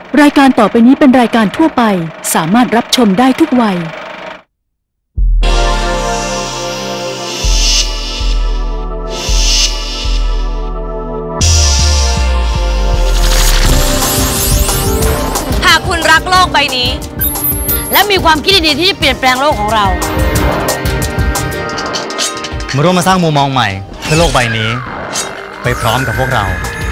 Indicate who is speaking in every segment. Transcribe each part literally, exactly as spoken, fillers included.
Speaker 1: รายการต่อไปนี้เป็นรายการทั่วไปสามารถรับชมได้ทุกวัย
Speaker 2: หากคุณรักโลกใบนี้และมีความคิดดีๆที่จะเปลี่ยนแปลงโลกของเรา
Speaker 3: มาร่วมมาสร้างมุมมองใหม่เพื่อโลกใบนี้ไปพร้อมกับพวกเรา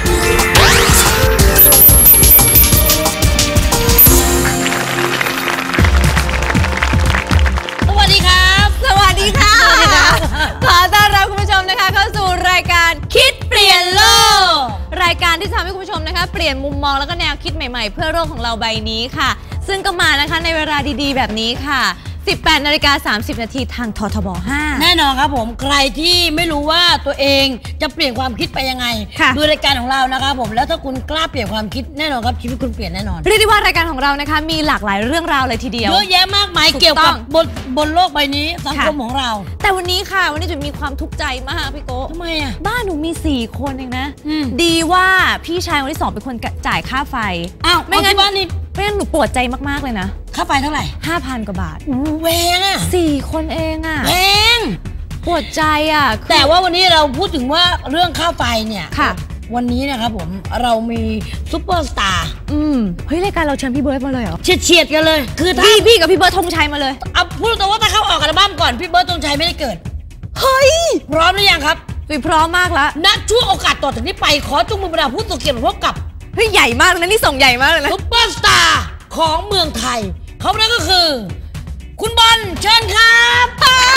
Speaker 2: สวัสดีครับสวัสดีค่ะขอต้อนรับคุณผู้ชมนะคะเข้าสู่รายการคิดเปลี่ยนโลกรายการที่ทำให้คุณผู้ชมนะคะเปลี่ยนมุมมองแล้วก็แนวคิดใหม่ๆเพื่อโลกของเราใบนี้ค่ะซึ่งก็มานะคะในเวลาดีๆแบบนี้ค่ะสิบแปดนาฬิกาสามสิบนาทีทางททบห้า
Speaker 4: แน่นอนครับผมใครที่ไม่รู้ว่าตัวเองจะเปลี่ยนความคิดไปยังไงดูรายการของเรานะครับผมแล้วถ้าคุณกล้าเปลี่ยนความคิดแน่นอนครับชีวิตคุณเปลี่ยนแน่นอน
Speaker 2: เรียกได้ว่ารายการของเรานะคะมีหลากหลายเรื่องราวเลยทีเดียว
Speaker 4: เยอะแยะมากมายเกี่ยวกับบนบนโลกใบนี้สังคมของเรา
Speaker 2: แต่วันนี้ค่ะวันนี้จะมีความทุกข์ใจมากพี่โก้
Speaker 4: ทำไมอ่ะ
Speaker 2: บ้านหนูมีสี่คนเองนะดีว่าพี่ชายคนที่สองเป็นคนจ่ายค่าไฟ
Speaker 4: อ้าวไม่งั้นบ้านนี้
Speaker 2: ไม่งั้นหนูปวดใจมากๆเลยนะ
Speaker 4: ค่าไฟเท่าไหร่
Speaker 2: ห้าพันกว่าบาท
Speaker 4: แพงอ่ะ
Speaker 2: สี่คนเองอ่ะ
Speaker 4: แพง
Speaker 2: ปวดใจอ่ะ
Speaker 4: แต่ว่าวันนี้เราพูดถึงว่าเรื่องค่าไฟเนี่ยค่ะวันนี้นะครับผมเรามีซุปเปอร์สตาร์
Speaker 2: อืมเฮ้ยรายการเราเชิญพี่เบิร์ดมาเลยเหรอ
Speaker 4: เฉียดๆกันเลย
Speaker 2: คือพี่พี่กับพี่เบิร์ดธงชัยมาเลย
Speaker 4: เอาพูดตรงว่าถ้าเขาออกอัลบั้มก่อนพี่เบิร์ดธงชัยไม่ได้เกิด
Speaker 2: เฮ้ย
Speaker 4: พร้อมหรือยังครับ
Speaker 2: พร้อมมากแล้ว
Speaker 4: ณช่วงโอกาสต่อจากนี้ไปขอจุงมือบรรดาผู้ตกเกียรติพบกับ
Speaker 2: เฮ้ยใหญ่มากเลยนะนี่ส่งใหญ่มากเลยนะ
Speaker 4: ซุปเปอร์สตาร์ของเมืองไทยเขานั่นก็คือคุณบอลเชิญครับ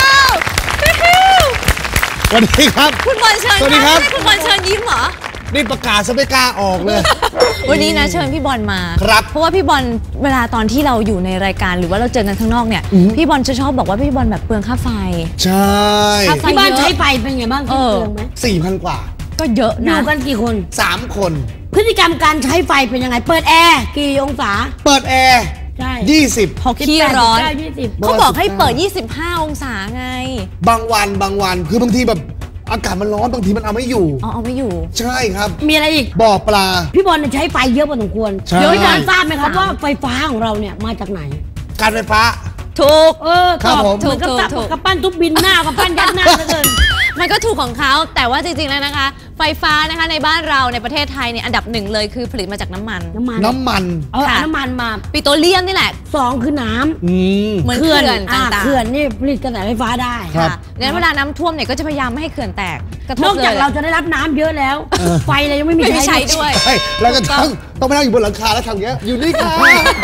Speaker 5: สวัสดีครับ
Speaker 2: คุณบอลเชิญ
Speaker 5: สวัสดีครับ
Speaker 2: คุณบอลเชิญยิ้มเหรอ
Speaker 5: นี่ประกาศซะไม่กล้าออกเลย
Speaker 2: วันนี้นะเชิญพี่บอลมา
Speaker 5: ครับ
Speaker 2: เพราะว่าพี่บอลเวลาตอนที่เราอยู่ในรายการหรือว่าเราเจอกันข้างนอกเนี่ยพี่บอลจะชอบบอกว่าพี่บอลแบบเปลืองค่าไฟ
Speaker 5: ใช่
Speaker 4: ที่บ้านใช้ไฟเป็นไงบ้างเปลืองไหม
Speaker 5: สี่พันกว่า
Speaker 2: ก็เยอะนะ
Speaker 4: อยู่กันกี่คน
Speaker 5: สามคน
Speaker 4: พฤติกรรมการใช้ไฟเป็นยังไงเปิดแอร์กี่องศา
Speaker 5: เปิดแอร์
Speaker 4: ใช่
Speaker 5: ยี่สิบ
Speaker 2: พอขี้ร้อนเขาบอกให้เปิดยี่สิบห้าองศาไง
Speaker 5: บางวันบางวันคือบางทีแบบอากาศมันร้อนบางทีมันเอาไม่อยู่
Speaker 2: อ๋อเอาไม่อยู่
Speaker 5: ใช่ครับ
Speaker 4: มีอะไรอีก
Speaker 5: บ่อปลา
Speaker 4: พี่บอลใช้ไฟเยอะพอสมควรเดี๋ยวพี่บอลทราบไหมครับว่าไฟฟ้าของเราเนี่ยมาจากไหน
Speaker 5: การไฟฟ้า
Speaker 2: ถูก
Speaker 4: เออ
Speaker 5: ครับผม
Speaker 4: ถูกถูกถูกกับปั้นทุบบินหน้ากับปั้นยัดหน้าเหลือเกิน
Speaker 2: มันก็ถูกของเขาแต่ว่าจริงๆแล้วนะคะไฟฟ้านะคะในบ้านเราในประเทศไทยเนี่ยอันดับหนึ่งเลยคือผลิตมาจากน้ำมัน
Speaker 4: น้ำมัน
Speaker 5: น้ำมัน
Speaker 4: เออน้ำมันมา
Speaker 2: ปิโตรเลียมนี่แหละ
Speaker 4: สองคือน้ำ
Speaker 2: เหมือนเขื่อนต่างๆ
Speaker 4: เขื่อนนี่ผลิตกระแสไฟฟ้าได้
Speaker 2: ค่ะงั้นเวลาน้ำท่วมเนี่ยก็จะพยายามไม่ให้เขื่อนแตก
Speaker 4: นอกจากเราจะได้รับน้ำเยอะแล้วไฟเรายังไม่มี
Speaker 2: ใช้ด้วย
Speaker 5: เราก็ต้องต้องไปนั่งอยู่บนหลังคาแล้วทำอย่างเงี้ยอยู่นี่ค่ะ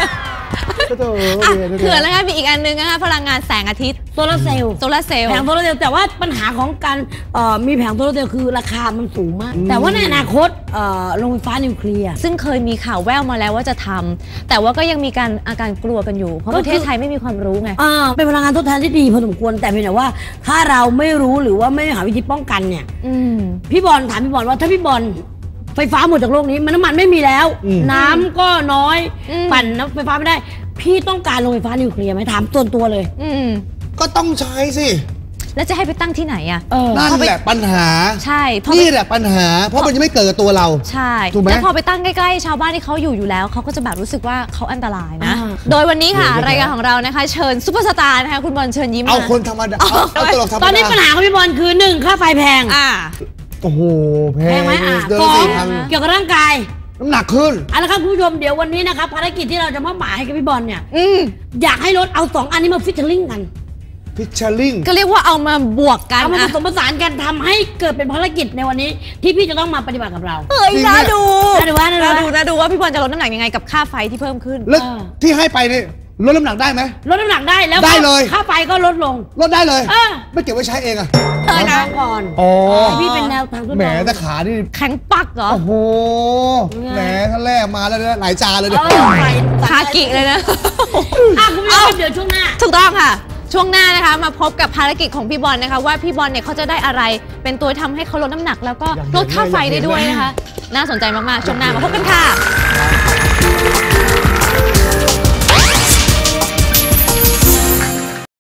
Speaker 2: เขื่อนแล้วก็มีอีกอันนึงนะคะพลังงานแสงอาทิตย์
Speaker 4: โซลาร์เซลล์
Speaker 2: โซลาร์เซลล์
Speaker 4: แผงโซลาร์เซลล์แต่ว่าปัญหาของการมีแผงโซลาร์เซลล์คือราคามันสูงมากแต่ว่าในอนาคตโรงไฟฟ้านิวเคลียร์
Speaker 2: ซึ่งเคยมีข่าวแว่วมาแล้วว่าจะทำแต่ว่าก็ยังมีการอาการกลัวกันอยู่เพราะประเทศไทยไม่มีความรู้ไง
Speaker 4: เป็นพลังงานทดแทนที่ดีพอสมควรแต่เพียงแต่ว่าถ้าเราไม่รู้หรือว่าไม่หาวิธีป้องกันเนี่ยพี่บอลถามพี่บอลว่าถ้าพี่บอลไฟฟ้าหมดจากโลกนี้มันน้ำมันไม่มีแล้วน้ำก็น้อยปั่นน้ำไฟฟ้าไม่ได้พี่ต้องการโรงไฟฟ้านิวเคลียร์ไหมถามตัวตัวเลย
Speaker 2: อื
Speaker 5: ก็ต้องใช้สิ
Speaker 2: แล้วจะให้ไปตั้งที่ไหนอ่ะ
Speaker 5: นั่นแหละปัญหา
Speaker 2: ใช่
Speaker 5: นี่แหละปัญหาเพราะมันจะไม่เกิดกับตัวเรา
Speaker 2: ใช่ถูกไหมแล้วพอไปตั้งใกล้ๆชาวบ้านที่เขาอยู่อยู่แล้วเขาก็จะแบบรู้สึกว่าเขาอันตรายนะโดยวันนี้ค่ะรายการของเรานะคะเชิญซุปเปอร์สตาร์นะคะคุณบอลเชิญยิ้ม
Speaker 5: เอาคนธรรมดาเอาตลกธรรมดา
Speaker 4: ตอนนี้ปัญหาของพี่บอลคือหนึ่งค่าไฟแพง
Speaker 2: อ่า
Speaker 5: โอ้โหแพง
Speaker 4: ไหมอ่ะสองเกี่ยวกับร่างกาย
Speaker 5: น้ำหนักขึ้น
Speaker 4: เอาละครับคุณผู้ชมเดี๋ยววันนี้นะครับภารกิจที่เราจะมอบหมายให้กับพี่บอลเนี่ยอยากให้รถเอาสองอันนี้มาฟิชเชอร์ลิงกัน
Speaker 5: ฟิชเชอร์ลิง
Speaker 2: ก็เรียกว่าเอามาบวกกัน
Speaker 4: เอามาผสมผสานกันทำให้เกิดเป็นภารกิจในวันนี้ที่พี่จะต้องมาปฏิบัติกับเรา
Speaker 2: เฮ้ยน่าดู
Speaker 4: น่าดูว่าน่า
Speaker 2: ดูน่าดูว่าพี่บอลจะลดน้ำหนักยังไงกับค่าไฟที่เพิ่มขึ้น
Speaker 5: แล้วที่ให้ไปเนี่ยลดน้ำหนักได้ไหม
Speaker 4: ลดน้ำหนักได้แล้ว
Speaker 5: ได้เลย
Speaker 4: ค่าไฟก็ลดลง
Speaker 5: ลดได้เลยไม่เก็บไว้ใช้เองอะ
Speaker 2: เออนะ
Speaker 4: ก่อน
Speaker 5: อ๋อ
Speaker 4: พี่เป็นแนวทาง
Speaker 5: แหมแต่ขานี่
Speaker 2: แข็งปักเหรอ
Speaker 5: โอ้โหแหมท่านแรกมาแล้วเนี่ยหลายจานเลยเนี่ย
Speaker 2: คากิเลยนะ
Speaker 4: อ่ะคุณผู้ชมเดี๋ยวช่วงหน้า
Speaker 2: ถูกต้องค่ะช่วงหน้านะคะมาพบกับภารกิจของพี่บอลนะคะว่าพี่บอลเนี่ยเขาจะได้อะไรเป็นตัวทำให้เขาลดน้ำหนักแล้วก็ลดค่าไฟได้ด้วยนะคะน่าสนใจมากๆช่วงหน้ามาพบกันค่ะ